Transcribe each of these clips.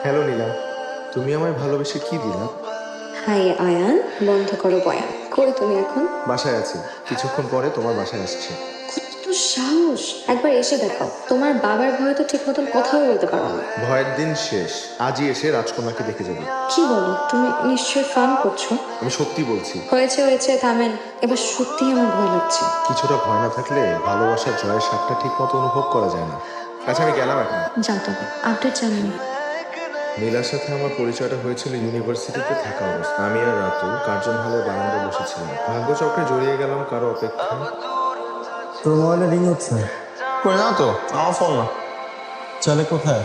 Hello নীলা, তুমি আমায় ভালোবেসে কি দিলা? হাই আয়ান, বন্ধ করো বয়ান। কই তুমি এখন? বাসায় আছি, কিছুক্ষণ পরে তোমার বাসায় আসছি। কত সাহস! একবার এসে দেখাও। তোমার বাবার ভয়ে তো ঠিক মতন কথাও বলতে পারো না। ভয়ের দিন শেষ, আজই এসে রাজকন্যাকে দেখে যাবে। কি বলো, তুমি নিশ্চয়ই ফান করছো? আমি সত্যি বলছি। হয়েছে হয়েছে, থামেন। এবার সত্যি আমার ভয় লাগছে। কিছুটা ভয় না থাকলে ভালোবাসার জয়ের স্বাদটা ঠিক মতো অনুভব করা যায় না। আচ্ছা আমি গেলাম এখন। যাও তবে, আপডেট জানিয়ে। নীলার সাথে আমার পরিচয়টা হয়েছিল ইউনিভার্সিটিতে থাকা অবস্থা। আমি আর রাতুল কার্জন হলের বারান্দায় বসেছিলাম, ভাগ্যচক্রে জড়িয়ে গেলাম কারো অপেক্ষায়। তোর মোবাইলে রিং হচ্ছে। কই না তো, আমার ফোন না। চলে কোথায়?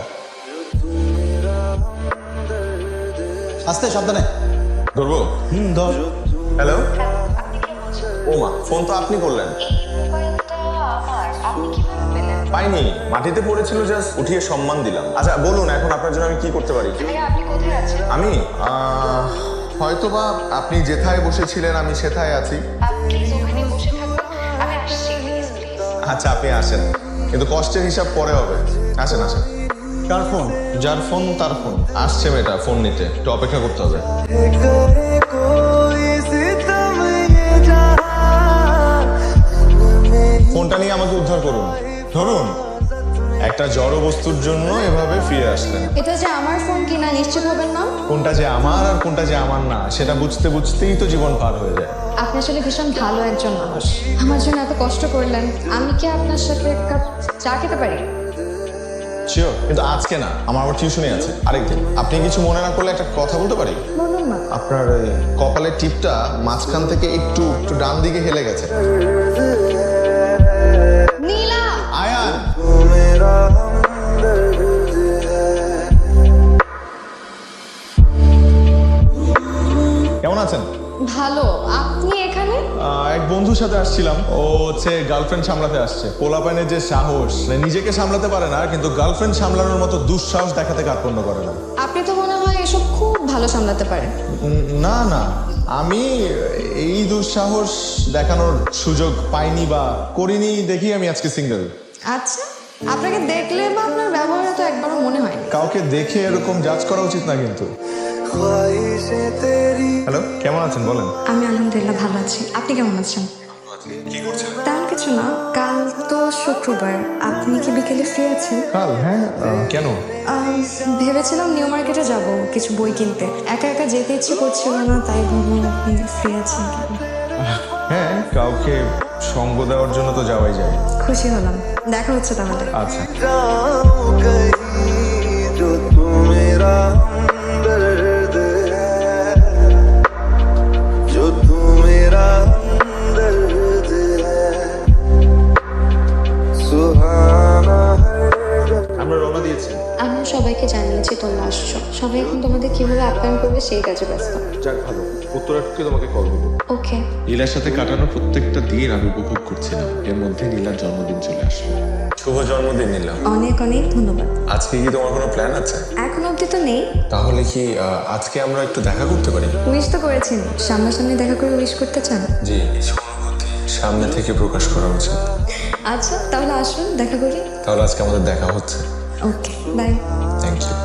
আস্তে, সাবধানে। ধরবো? ধর। হ্যালো, ও মা, ফোন তো আপনি করলেন। পাইনি, মাটিতে পড়েছিল, জাস্ট উঠিয়ে সম্মান দিলাম। আচ্ছা বলুন, এখন আপনার জন্য আমি কি করতে পারি? আমি হয়তোবা আপনি যেথায় বসেছিলেন আমি সেথায় আছি। আচ্ছা আপনি আসেন, কিন্তু কষ্টের হিসাব পরে হবে। আসেন আসেন। কার ফোন? যার ফোন তার ফোন। আসছে মেয়েটা ফোন নিতে, একটু অপেক্ষা করতে হবে। ফোনটা নিয়ে আমাকে উদ্ধার করুন। ধরুন, একটা জড় বস্তুর জন্য এভাবে ফিরে আসলেন। এটা যে আমার ফোন কিনা নিশ্চিত হবেন না? কোনটা যে আমার আর কোনটা যে আমার না সেটা বুঝতে বুঝতেই তো জীবন পার হয়ে যায়। আপনি আসলে ভীষণ ভালো একজন মানুষ। আমার জন্য এত কষ্ট করলেন। আমি কি আপনার সাথে এক কাপ চা খেতে পারি? শিওর, কিন্তু আজকে না, আমার আবার টিউশনে আছে আরেকদিন। আপনি কিছু মনে না করলে একটা কথা বলতে পারি? বলুন না। আপনার ওই কপালের টিপটা মাঝখান থেকে একটু একটু ডান দিকে হেলে গেছে। নীলা! আয়ান, কেমন আছেন? ভালো। আপনি এখানে? এক বন্ধুর সাথে আসছিলাম। ও হচ্ছে গার্লফ্রেন্ড সামলাতে আসছে। পোলাপানের যে সাহস, মানে নিজেকে সামলাতে পারে না কিন্তু গার্লফ্রেন্ড সামলানোর মতো দুঃসাহস দেখাতে কার্পণ্য করে না। আপনি তো মনে হয় এসব খুব ভালো সামলাতে পারেন। না না, আমি এই দুঃসাহস দেখানোর সুযোগ পাইনি বা করিনি দেখি আমি আজকে সিঙ্গেল। আচ্ছা, আপনাকে দেখলে বা আপনার ব্যবহারে তো একবারও মনে হয়। কাউকে দেখে এরকম জাজ করা উচিত না কিন্তু। হ্যালো, কেমন আছেন বলেন? আমি আলহামদুলিল্লাহ ভালো আছি। আপনি কেমন আছেন? কি করছেন? তেমন কিছু না। কাল তো শুক্রবার, আপনি কি বিকেলে ফ্রি আছেন? কাল? হ্যাঁ। কেন? ভেবেছিলাম নিউ মার্কেটে যাব কিছু বই কিনতে। একা একা যেতে ইচ্ছে করছিল না, তাই ভাবলাম আপনি ফ্রি আছেন কেন। হ্যাঁ, কাউকে সঙ্গ দেওয়ার জন্য তো যাওয়াই যায়। খুশি হলাম। দেখা হচ্ছে তাহলে। আচ্ছা। আমরা রওনা দিয়েছি। আমি সবাইকে জানিয়েছি তোমরা আসছো। সবাই এখন তোমাদের কিভাবে আপ্যায়ন করবে সেই কাজে ব্যস্ত। যাক ভালো, উত্তরাটকে তোমাকে কল দেবো। ওকে। নীলার সাথে কাটানো প্রত্যেকটা দিন আমি উপভোগ করছিলাম। এর মধ্যে নীলার জন্মদিন চলে আসলো। শুভ জন্মদিন নীলা। অনেক অনেক ধন্যবাদ। আজকে কি তোমার কোনো প্ল্যান আছে? এখন অবধি তো নেই। তাহলে কি আজকে আমরা একটু দেখা করতে পারি? উইশ তো করেছেন, সামনাসামনি দেখা করে উইশ করতে চান? জি, অনুভূতি সামনে থেকে প্রকাশ করা উচিত। আচ্ছা তাহলে আসুন, দেখা করি। তাহলে আজকে আমাদের দেখা হচ্ছে। Okay, bye. Thank you.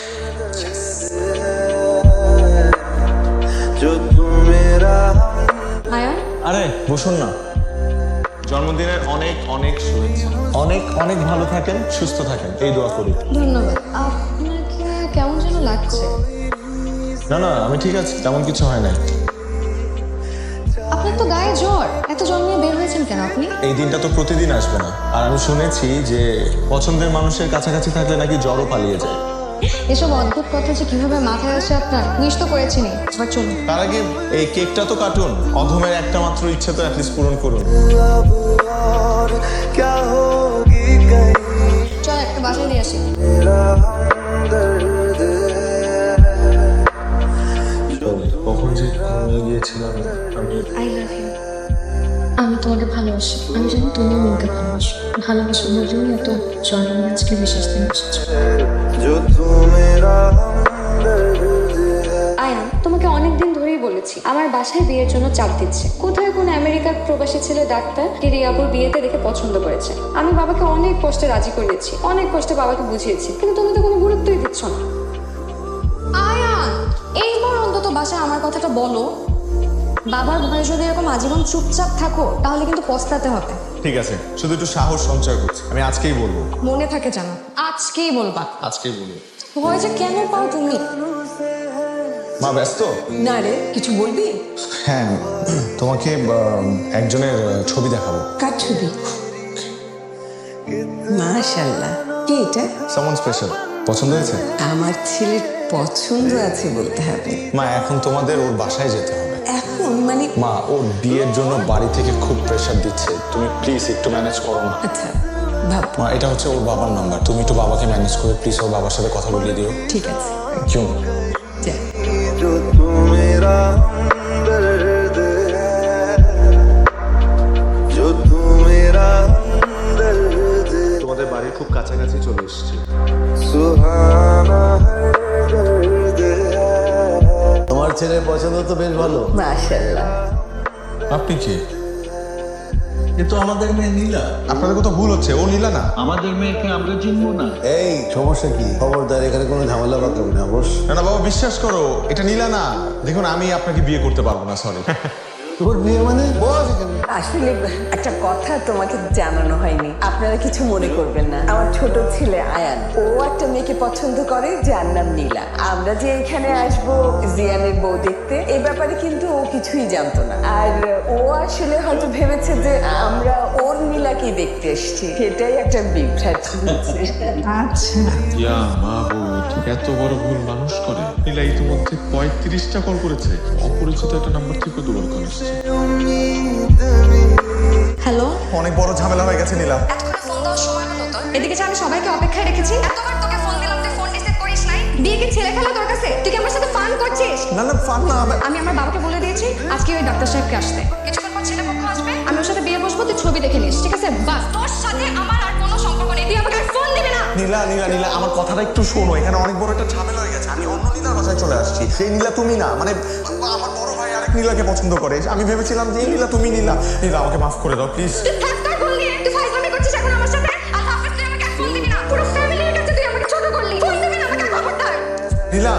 Ayaan, আরে বসুন না। জন্মদিনের অনেক অনেক শুভেচ্ছা। অনেক অনেক ভালো থাকেন, সুস্থ থাকেন, এই দোয়া করি। ধন্যবাদ। আপনাকে কেমন যেন লাগছে। না না, আমি ঠিক আছি, তেমন কিছু হয় না। আপনার তো গায়ে জ্বর। এত জ্বর নিয়ে বের হয়েছেন কেন আপনি? এই দিনটা তো প্রতিদিন আসবে না, আর আমি শুনেছি যে পছন্দের মানুষের কাছাকাছি থাকলে নাকি জ্বরও পালিয়ে যায়। এসব অদ্ভুত কথা যে কিভাবে মাথায় আসে আপনার, উইশ তো করেছেনই। এবার চলুন। তার আগে এই কেকটা তো কাটুন। অধমের একটা মাত্র ইচ্ছে তো অ্যাটলিস্ট পূরণ করুন। চল একটা বাসায় দিয়ে আসি। কখন যে ঘুমিয়ে গিয়েছিলাম আমি। I love you. আমি তোমাকে ভালোবাসি। আমি জানি তুমি আমাকে ভালোবাসো। ভালোবাসো বলেই এত জন্ম আজকে বিশেষ দিন এসেছে। আয়ান, তোমাকে অনেকদিন ধরেই বলেছি আমার বাসায় বিয়ের জন্য চাপ দিচ্ছে। কোথায় কোন আমেরিকার প্রবাসী ছেলে ডাক্তার রিয়াবুর বিয়েতে দেখে পছন্দ করেছে। আমি বাবাকে অনেক কষ্টে রাজি করিয়েছি, অনেক কষ্টে বাবাকে বুঝিয়েছি, কিন্তু তুমি তো কোনো গুরুত্বই দিচ্ছ না। বাসায় আমার কথাটা বলো। বাবার ভয়ে যদি এরকম আজীবন চুপচাপ থাকো তাহলে কিন্তু পস্তাতে হবে। ঠিক আছে, শুধু একটু সাহস সঞ্চয় করছি, আমি আজকেই বলবো। মনে থাকে জানো, আজকেই বলবা। আজকেই বলবো। ভয় যে কেন পাও তুমি? মা ব্যস্ত? না রে, কিছু বলবি? হ্যাঁ, তোমাকে একজনের ছবি দেখাবো। কার ছবি? মাশাআল্লাহ, কি এটা? সামন স্পেশাল। পছন্দ হয়েছে? আমার ছেলের পছন্দ আছে বলতে হবে। মা এখন তোমাদের ওর বাসায় যেতে হবে। এখন মানে? মা ওর বিয়ের জন্য বাড়ি থেকে খুব প্রেশার দিচ্ছে, তুমি প্লিজ একটু ম্যানেজ করো না। আচ্ছা ভাব। মা এটা হচ্ছে ওর বাবার নাম্বার, তুমি একটু বাবাকে ম্যানেজ করে প্লিজ ওর বাবার সাথে কথা বলিয়ে দিও। ঠিক আছে, কিউ যা। जो तू मेरा हमदर्द है, जो तू मेरा हमदर्द है, তোমাদের বাড়ির খুব কাছাকাছি চলে এসেছি। सुहाना है दर्द है। তোমার ছেলের পছন্দ তো বেশ ভালো। মাশাআল্লাহ। আপনি কি? এ তো আমাদের মেয়ে নীলা। আপনাদের কোথাও ভুল হচ্ছে, ও নীলা না। আমাদের মেয়েকে আমরা চিনবো না? এই সমস্যা কি? খবরদার এখানে কোনো ঝামেলা পাকাবি না বস। না না বাবা, বিশ্বাস করো এটা নীলা না। দেখুন আমি আপনাকে বিয়ে করতে পারবো না, সরি। তোর বিয়ে মানে? বস এখানে। আসলে একটা কথা তোমাকে জানানো হয়নি, আপনারা কিছু মনে করবেন না। আমার ছোট ছেলে আয়ান, ও একটা মেয়েকে পছন্দ করে যার নাম নীলা। আমরা যে এখানে আসবো জিয়ানের বউ দেখতে, এই ব্যাপারে কিন্তু ও কিছুই জানতো না। আর ও আসলে হয়তো ভেবেছে যে আমরা ওর নীলাকেই দেখতে এসেছি, সেটাই একটা বিভ্রাট হচ্ছে। আচ্ছা, ইয়া মাহবুব, এত বড় ভুল মানুষ করে? নীলা ইতিমধ্যে 35টা কল করেছে, অপরিচিত একটা নাম্বার থেকে দুবার কল এসেছে। হ্যালো, অনেক বড় ঝামেলা হয়ে গেছে নীলা। এতক্ষণে ফোন দেওয়ার সময় হলো তো? এদিকে যে আমি সবাইকে অপেক্ষায় রেখেছি, এতবার তোকে ফোন দিলাম, তুই ফোন রিসিভ করিস নাই। বিয়ে কি ছেলে খেলা তোর কাছে? তুই কি আমার সাথে ফান করছিস? না না ফান না। আমি আমার বাবাকে বলে দিয়েছি আজকে ওই ডাক্তার সাহেবকে আসতে। কিছুক্ষণ পর ছেলে পক্ষ আসবে, আমি ওর সাথে বিয়ে বসবো, তুই ছবি দেখে নিস, ঠিক আছে? বাস, তোর সাথে আমার আর কোনো সম্পর্ক নেই, তুই আমাকে আর ফোন দিবি না। নীলা নীলা নীলা, আমার কথাটা একটু শোনো, এখানে অনেক বড় একটা ঝামেলা হয়ে গেছে। আমি অন্য নীলার বাসায় চলে আসছি। সেই নীলা তুমি না, মানে আমার বড় ভাই আরেক নীলাকে পছন্দ করে। আমি ভেবেছিলাম যে এই নীলা তুমি নীলা। নীলা আমাকে মাফ করে দাও প্লিজ। তুই থাক তোর ভুল নিয়ে, তুই ফাইজলামি করছিস এখন আমার সাথে। আর হাফেজ, তুই আমাকে আর ফোন দিবি না। পুরো ফ্যামিলির কাছে তুই আমাকে ছোট করলি, ফোন দিবি না আমাকে, খবরদার। নীলা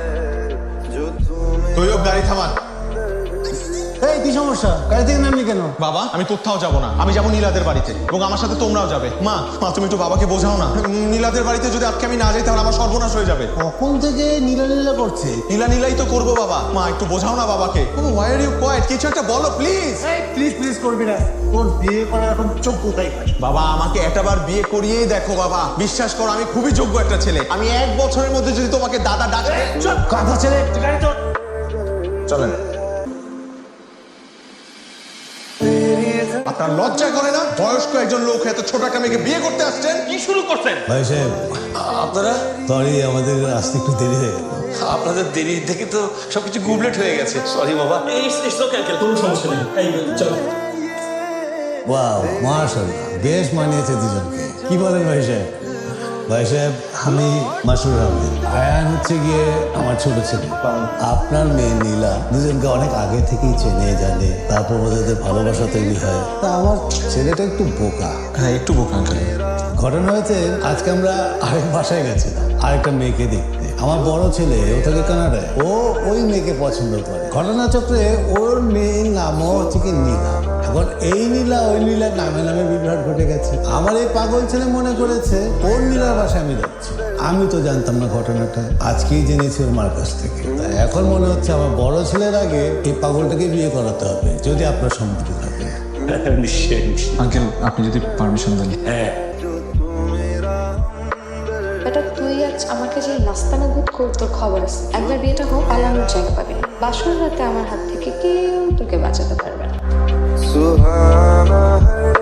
তুইও গাড়ি থামান। এই কি সমস্যা? গাড়ি থেকে নামলি কেন? বাবা আমি কোথাও যাব না, আমি যাবো নীলাদের বাড়িতে এবং আমার সাথে তোমরাও যাবে। মা মা তুমি একটু বাবাকে বোঝাও না। নীলাদের বাড়িতে যদি আজকে আমি না যাই তাহলে আমার সর্বনাশ হয়ে যাবে। কখন থেকে নীলা নীলা করছে? নীলা নীলাই তো করবো বাবা। মা একটু বোঝাও না বাবাকে। Why are you quiet? কিছু একটা বলো প্লিজ। প্লিজ প্লিজ করবি না, তোর বিয়ে করার এখন চোখ কোথায়? বাবা আমাকে একটাবার বিয়ে করিয়েই দেখো বাবা, বিশ্বাস করো আমি খুবই যোগ্য একটা ছেলে। আমি 1 বছরের মধ্যে যদি তোমাকে দাদা ডাকে। কথা ছেলে গাড়ি চল। চলেন। আপনার লজ্জা করে না? বয়স্ক একজন লোক এত ছোট একটা মেয়েকে বিয়ে করতে আসছেন? কি শুরু করছেন? ভাই সাহেব, আপনারা? সরি আমাদের আসতে একটু দেরি হয়ে গেল। আপনাদের দেরি থেকে তো সবকিছু গুবলেট হয়ে গেছে, সরি বাবা। কোনো সমস্যা নেই, এই চলো। ওয়াও মাশাআল্লাহ, বেশ মানিয়েছে দুজনকে। কি বলেন ভাই সাহেব? ভাই সাহেব, আমি মাসুর আহমেদ। আয়ান হচ্ছে গিয়ে আমার ছোট ছেলে। আপনার মেয়ে নীলা দুজনকে অনেক আগে থেকেই চেনে জানে, তারপর ওদের ভালোবাসা তৈরি হয়। তা আমার ছেলেটা একটু বোকা। হ্যাঁ একটু বোকা আঙ্কেল। ঘটনা হয়েছে আজকে আমরা আরেক বাসায় গেছিলাম আরেকটা মেয়েকে দেখতে। আমার বড় ছেলে, ও থাকে কানাডায়, ও ওই মেয়েকে পছন্দ করে। ঘটনাচক্রে ওর মেয়ের নামও হচ্ছে কি নীলা। এখন এই নীলা ওই নীলা নামে নামে বিভ্রাট ঘটে গেছে। আমার এই পাগল ছেলে মনে করেছে ওর নীলার বাসায় আমি যাচ্ছি। আমি তো জানতাম না ঘটনাটা, আজকেই জেনেছি ওর মার কাছ থেকে। তাই এখন মনে হচ্ছে আমার বড় ছেলের আগে এই পাগলটাকে বিয়ে করাতে হবে, যদি আপনার সম্মতি থাকে। নিশ্চয়ই নিশ্চয়ই। আঙ্কেল আপনি যদি পারমিশন দেন। হ্যাঁ, বেটা তুই আজ আমাকে যে নাস্তানা বোধ কর, তোর খবর আছে। একবার বিয়েটা হোক, পালানোর জায়গা পাবি না। বাসর রাতে আমার হাত থেকে কেউ তোকে বাঁচাতে পারবে না। सुहाना है